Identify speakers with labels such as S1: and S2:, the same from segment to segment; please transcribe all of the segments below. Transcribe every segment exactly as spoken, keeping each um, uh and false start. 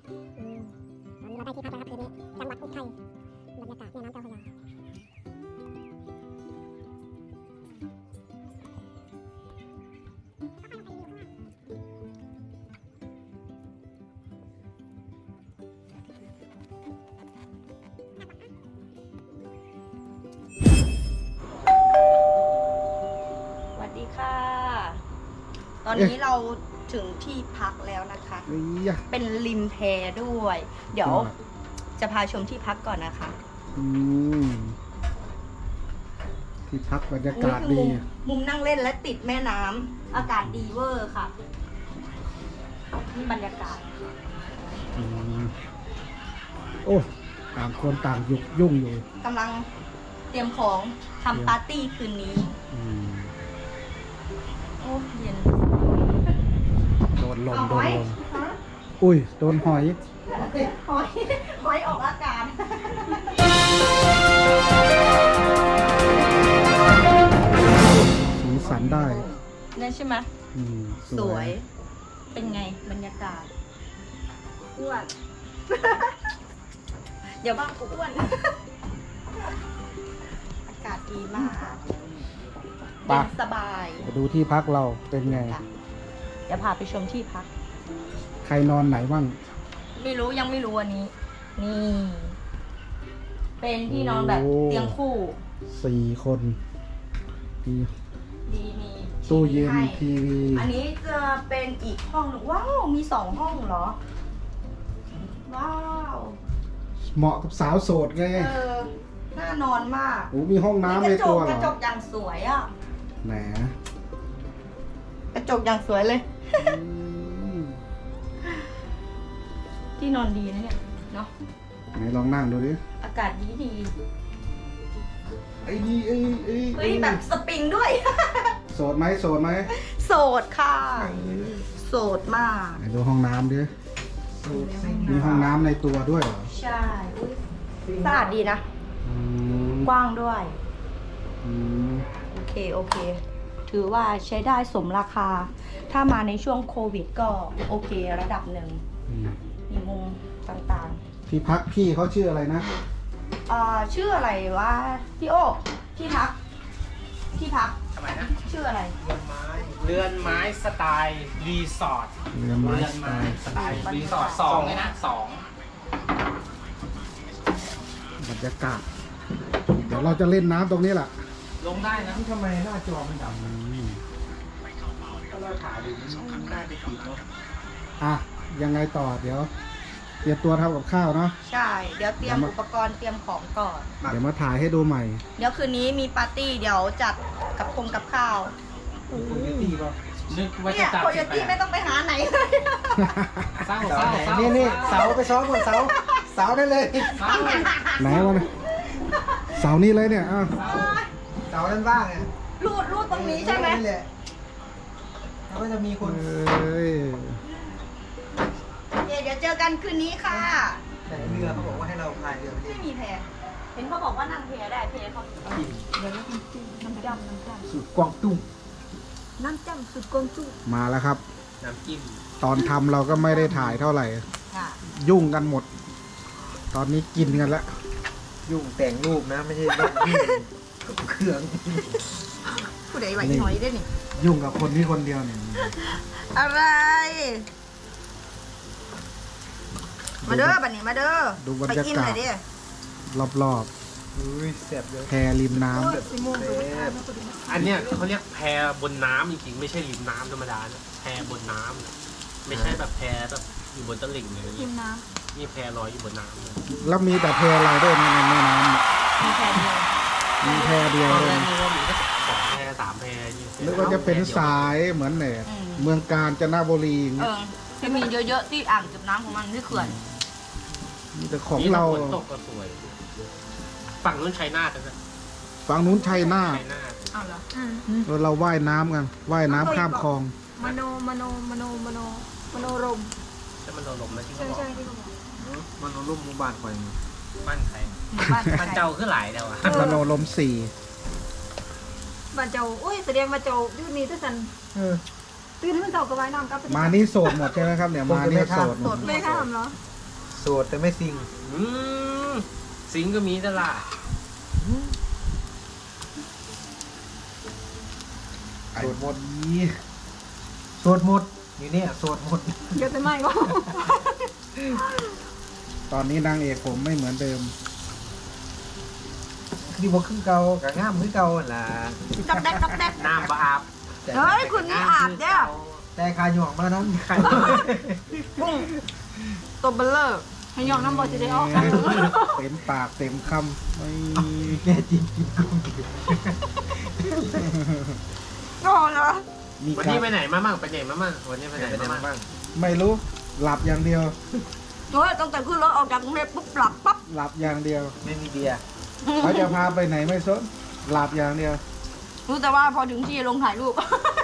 S1: อืมตอนนี้เราได้ที่พักแล้วครับคืนนี้จังหวัดอุทัยบรรยากาศแม่น้ำเจ้าพระยา
S2: สวัสดีค่ะ ตอนนี้เราถึงที่พักแล้วนะคะ
S3: เอ้ยะ
S2: เป็นริมแพด้วย เดี๋ยวจะพาชมที่พักก่อนนะคะ
S3: อืมที่พักบรรยา
S2: นี่
S3: กาศ
S2: คือ
S3: ดี
S2: มุมมุมนั่งเล่นและติดแม่น้ำอากาศดีเวอร์ค่ะ นี่บรรยากาศ
S3: อืมโอ้ต่างคนต่างยุกยุ่งอยู่
S2: กำลังเตรียมของทำปาร์ตี้คืนนี้
S3: อืม
S2: โอ้เย็น
S3: โดนลม
S2: เอา
S3: โด
S2: ไว้
S3: นลมอุ้ยโดนหอย
S2: หอยหอยออกอากาศ
S3: สีสันได้
S2: นั่นใช่ไหม
S3: อืม
S2: สวย เป็นไงบรรยากาศอ้วน อย่าบ้ากูอ้วน อากาศดีมากเย็นสบาย
S3: มาดูที่พักเราเป็นไง
S2: ค่ะเดี๋ยวพาไปชมที่พัก
S3: ใครนอนไหนบ้าง
S2: ไม่รู้ยังไม่รู้อันนี้ นี่ เป็นที่นอนแบบ
S3: โอ้
S2: เตียงคู่
S3: สี่คนมี
S2: ดีมี
S3: ตู้เย็น
S2: ให้
S3: ทีวี
S2: อันนี้จะเป็นอีกห้องหนึ่งว้าว มีสองห้องเหรอ ว้าว
S3: เหมาะกับสาวโสดไง
S2: เออ น่านอนมาก
S3: โอ้มีห้องน้ำ
S2: ก
S3: ใน
S2: ระจ
S3: ตั
S2: ก
S3: วเห
S2: ก
S3: ร
S2: ระ
S3: อ
S2: จกอย่างสวยอ่ะ
S3: แหน
S2: กระจกอย่างสวยเลย
S3: อืม
S2: ที่นอนดีนะเนี่ย เนาะ
S3: ไหนลองนั่งดูดิ
S2: อากาศดีดี
S3: ไอ้นี่ไอ้ไอ้
S2: เฮ้ยแบบสปริงด้วย
S3: โสดไหมโสดไหม
S2: โสดค่ะ โสดมาก
S3: ไหนดูห้องน้ำดิมีห้องน้ำในตัวด้วยเหรอ
S2: ใช่อุ๊ยสะอาดดีนะ
S3: อืม
S2: กว้างด้วย
S3: อืม
S2: โอเค โอเค ถือว่าใช้ได้สมราคา ถ้ามาในช่วงโควิดก็โอเคระดับหนึ่ง
S3: อืม
S2: มีมุมต่าง
S3: ที่พักพี่เขาชื่ออะไรนะ
S2: ๆเอ่อชื่ออะไรวะพี่โอที่พัก ที่พัก
S4: ทำไมนะ
S2: ชื่ออะไร
S4: เรือนไม้สไตล์รีสอร์ท
S3: เรือนไม้
S4: เรือน
S3: สไต
S4: ไม้
S3: ล์
S4: สไตล์รีสอร์ทสองเลยนะสอง
S3: บรรยากาศ เดี๋ยวเราจะเล่นน้ำตรงนี้แหละ
S4: ลงได้นะ
S5: ทำไมหน้าจอมันดำ
S3: อืม
S5: ถ้าเราถ่ายดูมันน่าจะติดเนาะ
S3: อ่ะ ยังไงต่อ เดี๋ยว เตรียมตัวทำกับข้าวเนาะ
S2: ใช่ เดี๋ยวเตรียมอุปกรณ์เตรียมของก่อน
S3: เดี๋ยวมาถ่ายให้ดูใหม่
S2: เดี๋ยวคืนนี้มีปาร์ตี้เดี๋ยวจัดกับคงกับข้าว
S5: โคโยตี้ป่ะ
S4: นึกว่า
S2: เนี่
S4: จะ
S2: ย
S4: จัด
S2: โคโยตี้ไม่ต้องไปหาไหนเลย
S4: เศร้า
S5: เสา
S4: เศร้า
S5: ไหน
S4: เศร้า
S5: นี่นี่เสาไปซ้อมบนเสาเสาได้เลย
S4: เศร้า
S3: ไหนวะเนี่ยเสาร์นี้เลยเนี่ยอ้าว
S5: เสาด้านบ้างอ่ะ
S2: รูดรูดตรงนี้ใช่ไหม
S5: นี่แหละแล้วก็จะมีคน
S3: เอ้ย
S2: โอเคเดี๋ยวเจอกันคืนนี้ค่ะ
S5: แต่เรือเขาบอกว่าให้เราพายเรือไป
S2: ไม่มีแพเห็นเขาบอกว่านั่งเพได้เพเขาเดี๋ยวน้ำจำน้ำจำ
S5: สุดกวางตุ้ง
S2: น้ำจำสุดกงจุ้
S3: มาแล้วครับ
S4: น้ำจิ้ม
S3: ตอนทำเราก็ไม่ได้ถ่ายเท่าไหร่
S2: ค่ะ
S3: ยุ่งกันหมด ตอนนี้กินกันแล้ว
S5: ยุ่งแต่งรูปนะไม่ใช่แบบยุ่งเครื่อง
S2: ผู้ใดไหวหน่อยได้นี่
S3: ยุ่งกับคนนี้คนเดียวเนี่ย
S2: อะไร มาเด้อบัดนี้มาเด้อ
S3: ดูบรร
S2: ไป
S3: ยากาศ
S2: กินเลยดิ
S3: รอบ
S5: อุ้ยแสบเลย
S3: ๆแพริมน้ำ
S5: แสบ
S4: อันเนี้ยเขาเรียกแพบนน้ำจริงๆไม่ใช่ริมน้ำธรรมดานะแพบนน้ำนะไม่ใช่แบบแพแบบอยู่บนตลิ่งเลย
S2: กินน้
S4: นี่แพลอยอยู่บนน้ำเลย
S3: แล้วมีแต่แพอะไรด้วยในแม่น้
S2: ำมีแค่เดียว
S3: ำมีแพเดียว
S4: ตอน
S3: เล
S4: แร
S3: ย
S4: กนึกว่ามีแค่สองแพสามแพยี่สิบ
S3: นึกว่าจะเป็นสายเหมือนเนี่ย
S2: อืม
S3: เมืองกาญจนบุรีอย่าง
S2: เอ
S3: เงี้ย
S2: อจะมีเยอะๆที่อ่างเก็บน้ำของมันที่เขื่อน
S3: มีแต่ของเรา
S4: ฝนตกก็สวย ฝั่งนู้นชัยนาทนะ
S3: ฝั่งนู้นชัยนาท
S4: ชัยนาท
S2: อ้าวเหรอ
S3: แล้วเราว่ายน้ำกันว่ายน้ำข้ามคลอง
S6: มโนมโนมโนมโนมโนรม
S4: แต่มันโดนลมนะที่
S6: ใช่
S4: เขาบอก
S6: ใช่ที่เขาบอก
S5: มันเอารูปหมู่บ้านคอยมา
S4: บ้านใคร
S2: หมู่บ้าน
S4: บ้านเจ้าขึ้นหลายแล้วอ่ะ
S3: มโนลมสี่
S6: บ้านเจ้าโอ้ยแสดงมาเจ้าดื้อนี่ทุกสัน
S5: เออ
S6: ตื่นขึ้นเจ้าก็ไว้น้ำกับ
S3: มานี่โสดหมดใช่ไหมครับเนี่ยมานี่โสดหมด
S6: ไม่ข้ามเหรอ
S5: โสดแต่ไม่ซิง
S4: อืมสิงก็มีตลาด
S3: ไอ้
S5: โสดหมด
S3: นี้
S5: โสดหมดอยู่เนี่ยโสดหมด
S6: เดี๋ยวจะไหม้ก็
S3: ตอนนี้นางเอกผมไม่เหมือนเดิม
S5: คือบอกขึ้นเก่ากับง่ามมือเก่าหั่นล่ะ
S2: ดักแดกดักแดก
S4: น้ำบอาบ
S2: เฮ้ยคุณนี่อาบเนี่ย
S5: แต่คาหย่องมานั้น
S2: ปุ้งตัวเบลเลอร์ให้ยองน้ำบอลจะได้ออก
S3: เต็มปากเต็มคำไม่
S5: แน่จริงกินกุ้งกิน
S2: ก็เหรอ
S3: มี
S4: วัน
S3: กา
S4: นี้
S3: ร
S4: ไปไหนมามั่งไปไหนมามั่งวันนี้ไปไหน
S5: ไปได้
S4: มามั่ง
S5: บ้าง
S3: ไม่รู้ หลับอย่างเดียว
S2: เฮ้ยตั้งแต่ขึ้นรถออกจากกรุงเทพปุ๊บหลับปั๊บ
S3: หลับอย่างเดียว
S5: ไม่มีเบียร์
S3: เขาจะพาไปไหนไม่สนหลับอย่างเดียว
S2: รู้แต่ว่าพอถึงที่ลงถ่ายรูป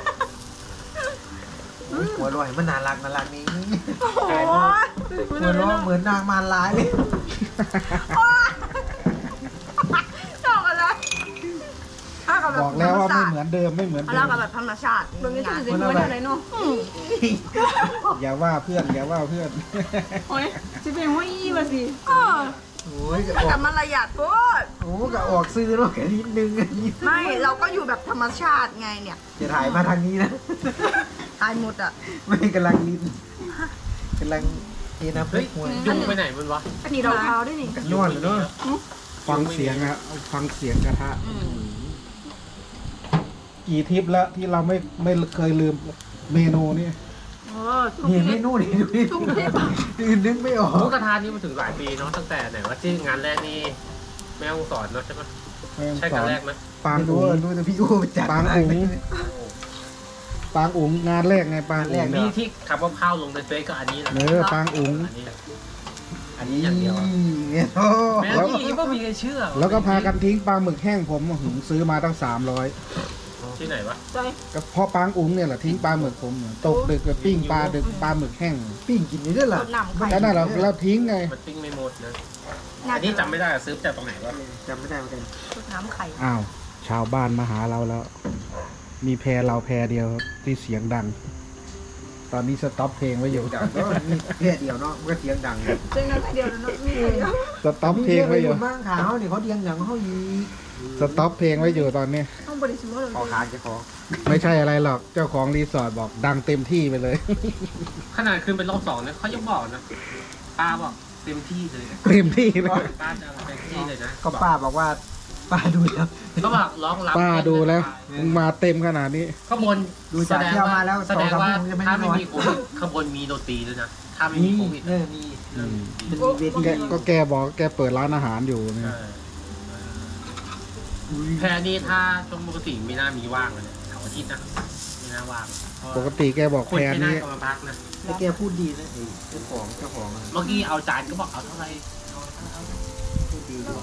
S5: หัวลอยมันน่ารักน่ารักนี้
S2: โอ้โห
S5: หัวเร้อเหมือนนางมารร้ายเลย
S2: ชอบอะไรถ้ากับแบบ
S3: บอกแล้วว่าไม่เหมือนเดิมไม่เหมือน
S2: เอา
S3: เดิ
S2: แล้ว
S3: ม
S2: กับแบบธรรมชาติ
S6: ตรงนี้จะเป็นหัวไหนเนาะ
S2: อืม
S3: อย่าว่าเพื่อนอย่าว่าเพื่อน
S6: โอ้ยจะเป็นหัวยี่มาสิ
S2: เออ
S5: โอ้ยก็อ
S2: แต่
S5: อก
S2: มันระหยัดโคตร
S5: โอ้ก็ออกซื้อเนาะแค่นิดนึงอันนี้
S2: ไม่เราก็อยู่แบบธรรมชาติไงเนี่ย
S5: จะถ่ายมาทางนี้นะ
S2: ตายหมดอ่ะ
S5: ไม่กำลังลิ้นกำลังเทน้ำพริ
S4: เฮ้ย
S5: กหัว
S4: ยุงไปไหนมันวะ
S2: อันนี้เราเท้าด้วยนี่
S5: กันนวดเลยเนาะ
S3: ฟังเสียงอะฟังเสียงกระทะ
S2: อืม
S3: กี่ทริปแล้วที่เราไม่ไม่เคยลืมเมนูนี่
S2: เออทุก
S5: นี่
S2: ที
S5: เมนูนี่ดูดิอื่นนึกไม่ออ
S4: หมู
S5: ก
S4: กระทะนี่มาถึงหลายปีเนาะตั้งแต่ไหนว่าที่งานแรกนี่แม่ฮ่องสอนเนาะใช่ไหม
S3: แม่ง
S4: ใช่
S3: ส
S4: งา
S3: อน น
S4: แรกไหม
S3: ปาง
S5: ไม่รู้
S3: อุ๋ง
S5: รู้แต่พี่อู้ไปจัด
S3: ปางอุ๋ง ปางอุ๋งงานแรกไงปางอุ๋ง
S4: นี่ที่ขับว่าข้าวลงในเฟซก็อันนี้แหละ
S3: เนื้อปางอุ๋ง
S4: อันนี้อันนี้อย่างเดียวอะ
S5: เนี่ยโอ้
S4: แม่ที่ก็มีใครเชื่อ
S3: แล้วก็พากันทิ้งปลาหมึกแห้งผมหึงซื้อมาตั้งสามร้อย
S4: ที่ไหนวะ
S2: ใจ
S3: ก็เพราะปางอุ๋งเนี่ยแหละทิ้งปลาหมึกผมเนี่ยตกดึกก็ปิ้งปลาดึกปลาหมึกแห้ง
S5: ปิ้งกินนี่ด้วยเหรอ
S2: ต้นหนำไข่
S3: แล้วนั่นเราเราทิ้งไง
S4: มันติ้งไม่หมดนะอันนี้จำไม่ได้อะซื้อจากตรงไหนวะ
S5: จำไม่ได้เหมือนกัน
S2: ต้นน้ำไข่
S3: อ้าว ชาวบ้านมาหาเราแล้ว มีแพรเราแพรเดียวที่เสียงดัง ตอนนี้สต็อปเพลงไว้อยู่
S5: ดังก็มีแค่เดียวเนาะมันก็เสียงดังเลย
S6: เจอกันเดียวแล้วเนาะมีเดียว
S3: สต็อปเพลงไว้อยู่
S5: มั่งขาวนี่เขาเดียงอย่างเขาอีก
S3: สต็อปเพลงไว้อยู่ตอนนี้
S6: ต้องบริสุทธิ์เลย
S5: ขอขาดจะขอ
S3: ไม่ใช่อะไรหรอกเจ้าของรีสอร์ทบอกดังเต็มที่ไปเลย
S4: ขนาดคืนเป็นรอบสองเนี่ยเขายังบอกนะป้าบอกเต็มที่เลยนะ
S3: เต็มที่เลย
S4: ป้าจะเอาเต็มที่เลยนะ
S5: ก็ป้าบอกว่าป้าดูแล้ว
S4: ก็บอกร้องรับ
S3: ป้าดูแล้วมึงมาเต็มขนาดนี้
S4: ข้างบน
S5: ดูจากเที่ยวมาแล้ว
S4: แสดงว่า
S5: สองสามชั่วโมงจะไม่
S4: ถ้า
S5: ได้
S4: ไม่
S5: นอน
S4: มีโควิดข้างบนมีดนตรีด้วยนะถ้าไม่มี
S5: มี
S4: โควิด
S5: เออมี
S3: อืม
S5: มันมีเวที
S3: แกก็แกบอกแกเปิดร้านอาหารอยู่เนี่ย
S4: ใช่แพรนี่ถ้าช่วงปกติไม่น่ามีว่างเลยเสาร์อาทิตย์นะไม่น่าว่าง
S3: ปกติแกบอก
S4: คน
S3: แพร
S4: ไม่น่า
S3: นี้
S4: จะมาพักนะ
S5: แต่แกพูดดีนะไอ้เจ้าของเจ้าของอะ
S4: เมื่อกี้เอาจานก็บอกเอาเท่าไหร่เอาเท่าไหร่
S5: พูดดีด้วย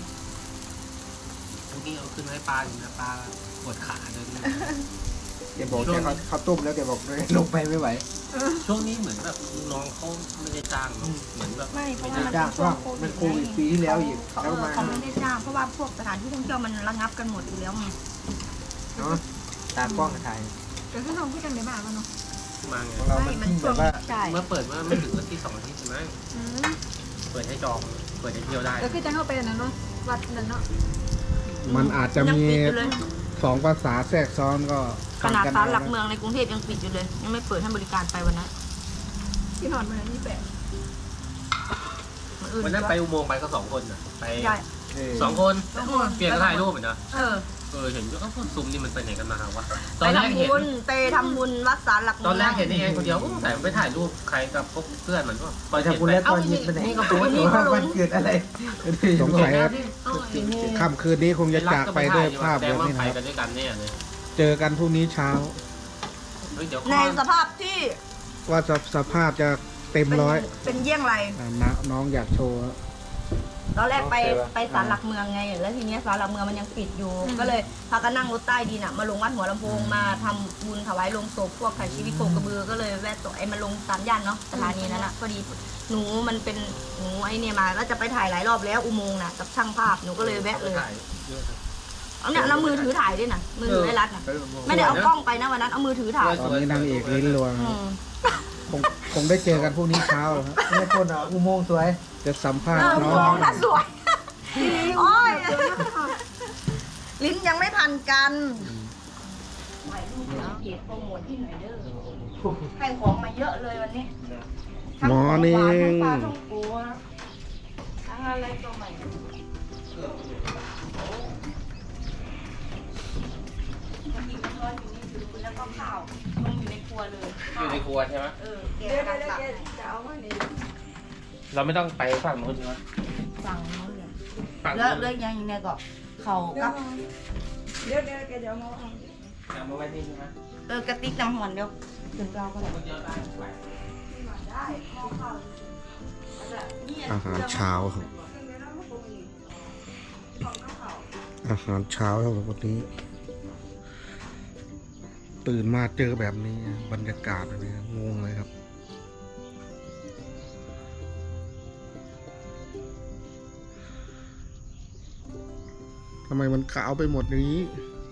S4: เมื่อกี้เอาขึ้นให้ปลาอยู่นะปลาปวดขาเลยนะ
S5: แกบอกแกเขาเขาต้มแล้วแกบอกลงไปไม่ไหว
S4: ช่วงนี้เหมือนแบบน้องเขาไม่ได้จ้างเนอะเหมือนแบบ
S2: ไม่เพราะ
S4: ไม่
S2: ว่า
S4: ได้
S2: มัน
S5: จ้า
S2: เป็น
S5: ง
S2: ช่ว
S5: ว่าง
S2: โควิด
S5: มันโควิดปีที่แล้วอีก
S2: เขา
S5: แล้วมา
S2: เขาไม่ได้จ้างเพราะว่าพวกสถานที่ท่องเที่ยวมันระงับกันหมดอยู่แล้วไง
S5: เนาะตากล้องถ่าย
S6: แต่ถ้าน้องพูดกันในบ้านมันเนาะ
S4: มาไง
S5: ของเรามัน
S2: มัน
S5: ทิ้ง
S2: ช่
S5: แบ
S2: วง
S5: บว่า
S2: ใช่
S4: เมื่อเปิดเมื่อไม่ถึงวันที่สองอาทิตย์ใช่ไหม
S6: อืม
S4: เปิดให้จองเปิดให้เที่ยวได้
S6: แล้วคือจะเข้าไปนั่นเนาะวัดนั่นเนาะ
S3: มันอาจจะ
S2: ยัง
S3: มี
S2: ปิดอยู่เลย
S3: สองภาษาแทรกซ้อนก็
S2: ขนาด
S3: ฟัง
S2: ศาลหลัก
S3: เอ
S2: เมืองในกรุงเทพยังปิดอยู่เลย ยังไม่เปิดให้บริการไปวันนั้น
S6: ที่นอนมันนี่แปด
S2: วันอื่น
S4: วันนั้นไปอุโมงค์ไปก็สองคนนะไป
S2: ใช่
S5: เออ
S4: สองคนเปลี่ยนกันถ่ายรูปเหมือนนะ
S2: เออ
S4: เออเห็นก็พวกซุมนี่มันไปไหนกันมาครับวะต
S2: ไป
S4: อนแรก
S2: ทำ
S4: เห็น
S2: บุญเตทำบุญวัดศาลหลักเมื
S4: ตอนแรกเห็นนี่เองคนเดียวโอ้แต่ไปถ่ายรูปใครกับพวกเพื่อนมันก็
S5: ไปทำบุญแล้วตอนเย็นไปไหน
S4: นี่ก็
S5: ตั
S4: ตัว ว
S5: นี้
S4: นี่
S5: ว่าวันเกิดอะไร
S3: สงสัย
S4: เอาไอ้นี่
S3: ค่ำคืนนี้คงจะจากไปด้วยภาพ
S4: แสด
S3: แบ
S4: ง
S3: บ
S4: ว่า
S3: นี้
S4: ไป
S3: นะครับ
S4: กันด้วยกันแน่เลย
S3: เจอกันพรุ่งนี้เช้า
S4: เฮ้ยเดี๋ยว
S2: ในสภาพที่
S3: ว่าสสภาพจะเต็ม
S2: เป็น
S3: ร้อย
S2: เป็นเยี่ยงไร
S3: อ่ะนะน้องอยากโชว์
S2: ตอนแรกไปไปศาลหลักเมืองไง แล้วทีเนี้ยศาลหลักเมืองมันยังปิดอยู่ ก็เลยพากันนั่งรถใต้ดินอะมาลงวัดหัวลำโพงมาทำบุญถวายลงศพพวกไถ่ชีวิตโคกระบือก็เลยแวะตัวไอ้มาลงสามย่านเนาะสถานีนั้นอะพอดีหนูมันเป็นหนูไอ้เนี่ยมาแล้วจะไปถ่ายหลายรอบแล้วอุโมงค์น่ะกับช่างภาพหนูก็เลยแวะเลย
S4: ถ่ายเยอะนะ
S2: เอาเนี่ยแล้วมือถือถ่ายด้วยนะมือถือไอ้รัดน่ะ
S5: เออ
S2: ไม่ได้เอากล้องไปนะวันนั้นเอามือถือถ่าย
S3: ตอนนี้นางเอกลิ้นรวง
S2: อืม
S3: คงคงได้เจอกันพรุ่งนี้เช้าครับ
S5: เนี่ยคนอ่ะอุโมงค์สวย
S3: จะสัมภาษ
S2: เอ
S3: ณ์
S2: อ
S3: น้
S2: ม
S3: อ
S2: อง งน่าสวยโอ้ยลิ้นยังไม่ทันกันถ่ายรูปแล้วเก็บโปรโมทที่หน่อยเด้อให้ของมาเยอะเลยวันนี้ทั้ง
S3: มอ
S2: ของ
S3: ร์นิ่
S2: หวานทั้ง
S3: ง
S2: ปลาท่องโกะทั้งอะไรก็ใหม่มากินน้ำร้อนอยู่นี่ถือแล้วก็ข้าวลงอยู่ในครัวเลย
S4: อยู่ในครัวใช่ไหม
S2: เออแก
S6: เดี๋ยว
S2: กำลัง
S6: เดี๋ยว
S2: ตัก
S6: เดี๋ยวจะเอามานี่
S4: เราไม่ต้องไปฝั่งนู้นใช่ไหม
S2: สั่งนู้นเลย
S4: ฝั่ง
S2: แล้ว
S4: นู้น
S2: เรื่องยังอยู่ในก็เขา
S6: เดี๋ย
S2: กั
S6: ว
S2: บ
S6: เดี๋ยวเดี๋ยวแกจะเอามาเอา
S4: เอามาไว้นี่ใช่ไหม
S2: เออกระติกน้ำหอนเดียวถึงเราก็ได้
S4: คนเดียวได้ไป
S2: ได้ข้าวข้าว
S3: อาหารเช้าครับอาหารเช้าครับวันนี้ ตื่นมาเจอแบบนี้บรรยากาศแบบนี้งงเลยครับ ทำไมมันขาวไปหมดอย่างนี้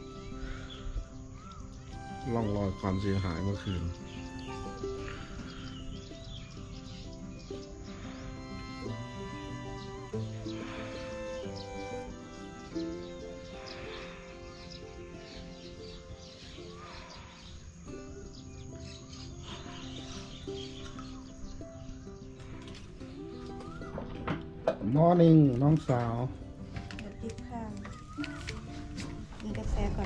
S3: ร่องรอยความเสียหายเมื่อคืน มอร์นิ่งน้องสาว
S2: เดี๋ยวติ๊กข้าวกินกาแฟก่อน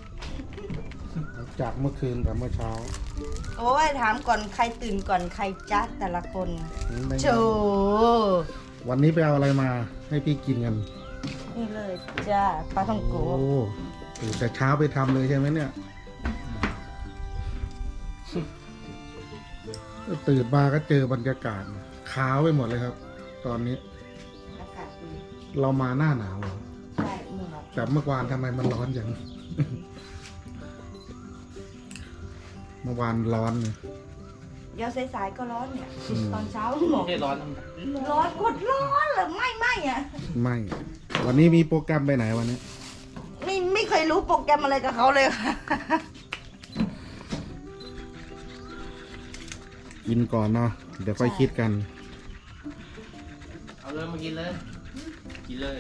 S3: จากเมื่อคืนกับเมื่อเช้า
S2: โอ้ยถามก่อนใครตื่นก่อนใครจ้าแต่ละคน
S3: ไม่
S2: โช
S3: วันนี้ไปเอาอะไรมาให้พี่กินกัน
S2: นี่เลยจ้าปลาท่องโก
S3: โอ้ตื่นแต่เช้าไปทำเลยใช่ไหมเนี่ย ตื่นมาก็เจอบรรยากาศขาวไปหมดเลยครับ ตอนนี้
S2: อากาศดี
S3: เรามาหน้าหนาวเหรอ
S2: ใช่เหมือน
S3: แต่เมื่อวานทำไมมันร้อนอย่าง เมื่อวานร้อนเนี่ย
S2: เดี๋ยวสายๆก็ร้อนเนี่ย
S3: อืม
S2: ตอนเช้าหมอก
S4: ไม่ใช่ร้อน
S2: ร้อนกดร้อนเหรือไม่ไม่อ่ะ
S3: ไม่ วันนี้มีโปรแกรมไปไหนวันนี้
S2: ไม่ไม่เคยรู้โปรแกรมอะไรกับเขาเลยค่ะ
S3: กินก่อนเนาะเดี๋ยวค่อยคิดกัน
S4: เอาเลยมากินเลย กินเลย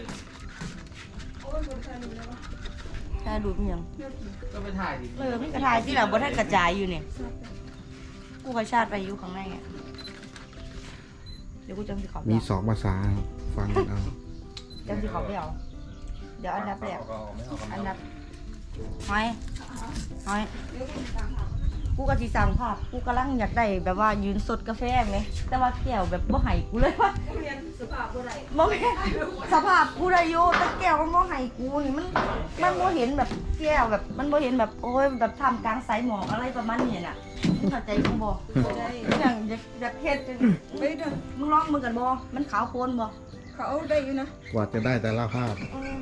S2: ถ้าดูมันยัง
S4: ก็ไปถ่ายดิ
S2: เออไม่กระทายที่เราบ่ได้กระจายอยู่เนี่ยกูกระชาติไปอยู่ข้างในอ่ะเดี๋ยวกูจำสิเขาไป
S3: มี
S2: เอา
S3: สองภาษาครับฟังกันเอา
S2: จำสิเขาไปเอาเดี๋ยวอันดับแรกอันดับหอยหอยกูก็สิสั่งภาพกูกำลังอยากได้แบบว่ายืนสดกาแฟไหมแต่ว่าแก้วแบบบ่ให้กูเลยว่า
S6: เรียนสภาพบ่ได้
S2: บ่แม่นสภาพกูได้อยู่แต่แก้วมันบ่ให้กูนี่มันมันบ่เห็นแบบแก้วแบบมันบ่เห็นแบบโอ้ยแบบทำกลางสายหมอกอะไรประมาณนี้น่ะมึงเข้าใจกูบ่
S6: บ่ได้
S2: อย่างอยากอยากเฮ็ดจัง
S6: ไปเด้อ
S2: มึงลองมึงกันบ่มันขาวโพลนบ่
S6: เขาเอาได้อยู่นะ
S3: กว่าจะได้แต่ละภาพ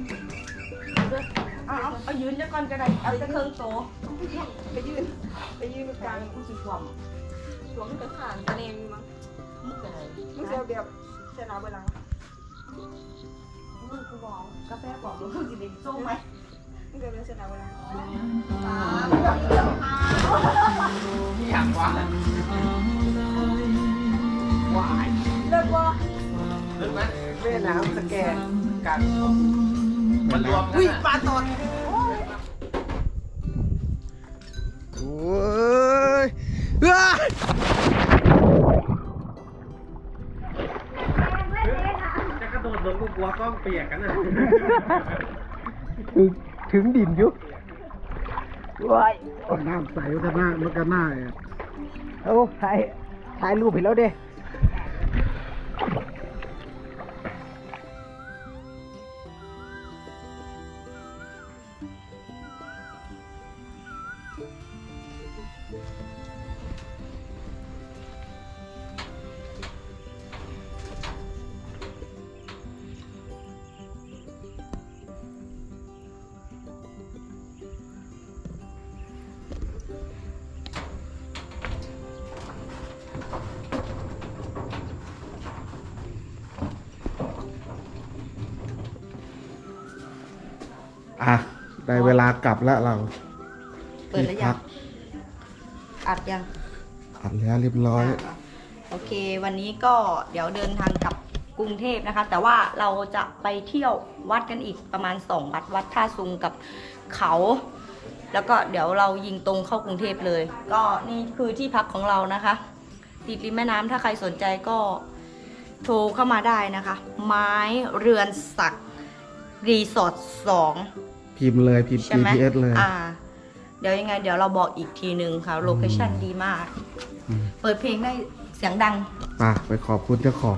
S2: เอาเอาเอายืนเดี๋ยวก่อนก็ได้เอาแต่เครื่องโต
S6: ไปยืนไปยืนก
S2: กลา
S6: ลาง ง
S2: กูสิความ
S6: สวมกระถางตะเลงมั้ง
S2: มึงก็ได้
S6: มึงจะเอาแบบเสนาเวลา
S2: มึงกูบอกกาแฟบอกมึงสิได้ส่งไหม
S6: มึงจะเป็นเสนาเวลา
S4: ไม่อยากวัดอ่ะวาย
S2: เลิกบ่
S4: ลึกไหม
S5: แม่น้ำสแกนกัน
S4: มันรวมกัน
S2: อุ้ย
S4: อะ
S2: ปลาตอด
S3: โอ้ยอ้า
S4: จะกระโดดลงกูกลัวกล้องเปียกกันนะ
S5: ถึงถึงดินอยุบว้าย
S3: น้ำใสมันก็หน้ามันก็หน้าแอบ
S5: เอาถ่ายถ่ายรูปให้แล้วเด้
S3: อ่ะ ได้เวลากลับแล้วเรา
S2: เปิดแล้วยังอัดยัง
S3: อัดแล้วเรียบร้อย
S2: โอเค วันนี้ก็เดี๋ยวเดินทางกลับกรุงเทพนะคะ แต่ว่าเราจะไปเที่ยววัดกันอีกประมาณสองวัดวัดท่าซุงกับเขา แล้วก็เดี๋ยวเรายิงตรงเข้ากรุงเทพเลย ก็นี่คือที่พักของเรานะคะติดริมแม่น้ำถ้าใครสนใจก็โทรเข้ามาได้นะคะ ไม้เรือนศักดิ์รีสอร์ทสอง
S3: พิมพ์เลยพิมพ์
S2: ใช่ไหม
S3: จี พี เอส เลย
S2: อ่า เดี๋ยวยังไง เดี๋ยวเราบอกอีกทีหนึ่งค่ะ โลเคชั่นดีมาก
S3: อืม
S2: เปิดเพลงได้เสียงดัง
S3: ไปไปขอบคุณเจ้าของ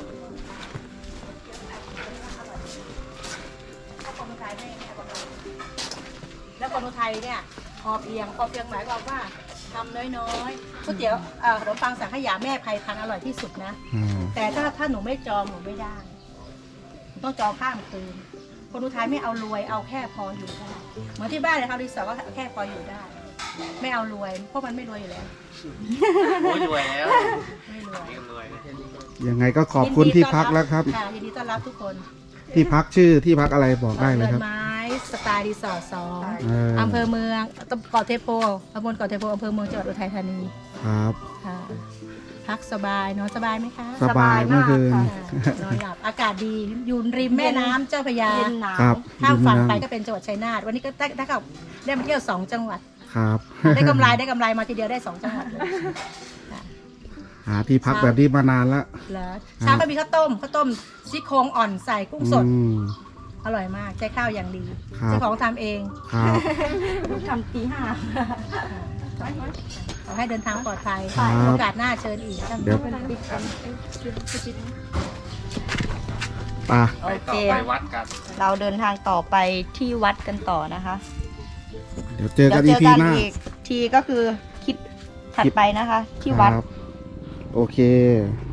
S6: แล้วคนไทยเนี่ยพอเพียงพอเพียงหมายความว่าทำน้อยๆก๋วยเตี๋ยวเอ่อขนมปังสังขยาแม่ไพทานอร่อยที่สุดนะ
S3: อืม
S6: แต่ถ้าถ้าหนูไม่จองหนูไม่ได้หนูต้องจองข้ามคืนคนอุทัยไม่เอารวยเอาแค่พออยู่ได้เหมือนที่บ้านเลยครับรีสอร์ทก็แค่พออยู่ได้ ไม่เอารวยเพราะมันไม่รวยอยู่แล้ว
S4: โอ้ยรวยแล้ว
S6: ไม่รวย
S4: นี่ก็รวยนะ
S3: ยังไงก็ขอบคุณที่พักแล้วครับ
S6: ค่ะยินดีต้อนรับทุกคน
S3: ที่พักชื่อที่พักอะไรบอกได้เลย
S6: เรื
S3: ค
S6: อ
S3: รับ
S6: นไม้สไตล์รีสอร์ทสอง
S3: เออ
S6: อำเภอเมืองตำเกาะเทโพตำบลเกาะเทโพอำเภอเมืองจังหวัดอุทัยธานี
S3: ครับ
S6: ค่ะ พักสบายนอนสบายไหมคะ
S3: สบายเมื่อคืน
S6: ค่ะนอนหลับอากาศดีอยู่ริมแม่น้ำเจ้าพระยา
S2: เย็นหนาว
S3: ครับ
S6: ข้ามฝั่งไป
S3: ดี
S6: ก็เป็นจังหวัดชัยนาทวันนี้ก็ได้ได้กับได้มาเที่ยวสองจังหวัด
S3: ครับ
S6: ได้กำไรได้กำไรมาทีเดียวได้สองจังหวัดเลย
S3: หาที่พักแบบนี้มานานแล้ว
S6: แล้วเช้าก็มีข้าวต้มข้าวต้มซี่โครงอ่อนใส่กุ้งสด
S3: อืม
S6: อร่อยมากใช้ข้าวอย่างดี
S3: ครับ
S6: เจ้าของทำเอง
S3: ครับ
S2: ทำตีห้า
S6: ขอให้เดินทางปลอดภัย
S3: ครับ
S6: โอกาสหน้าเชิญอีก
S3: เดี๋ยว ป่ะ
S2: โอ
S4: ไป
S2: เค
S4: ต่อไปวัดกัน
S2: เราเดินทางต่อไปที่วัดกันต่อนะคะ
S3: เดี๋ยวเจอ
S2: เดี๋
S3: กั
S2: ย
S3: น
S2: ว
S3: อี
S2: เจอ
S3: พี
S2: กัน
S3: หน้า
S2: อีกทีก็คือคลิปถัดไปนะคะ ที่วัด
S3: ครับ โอเค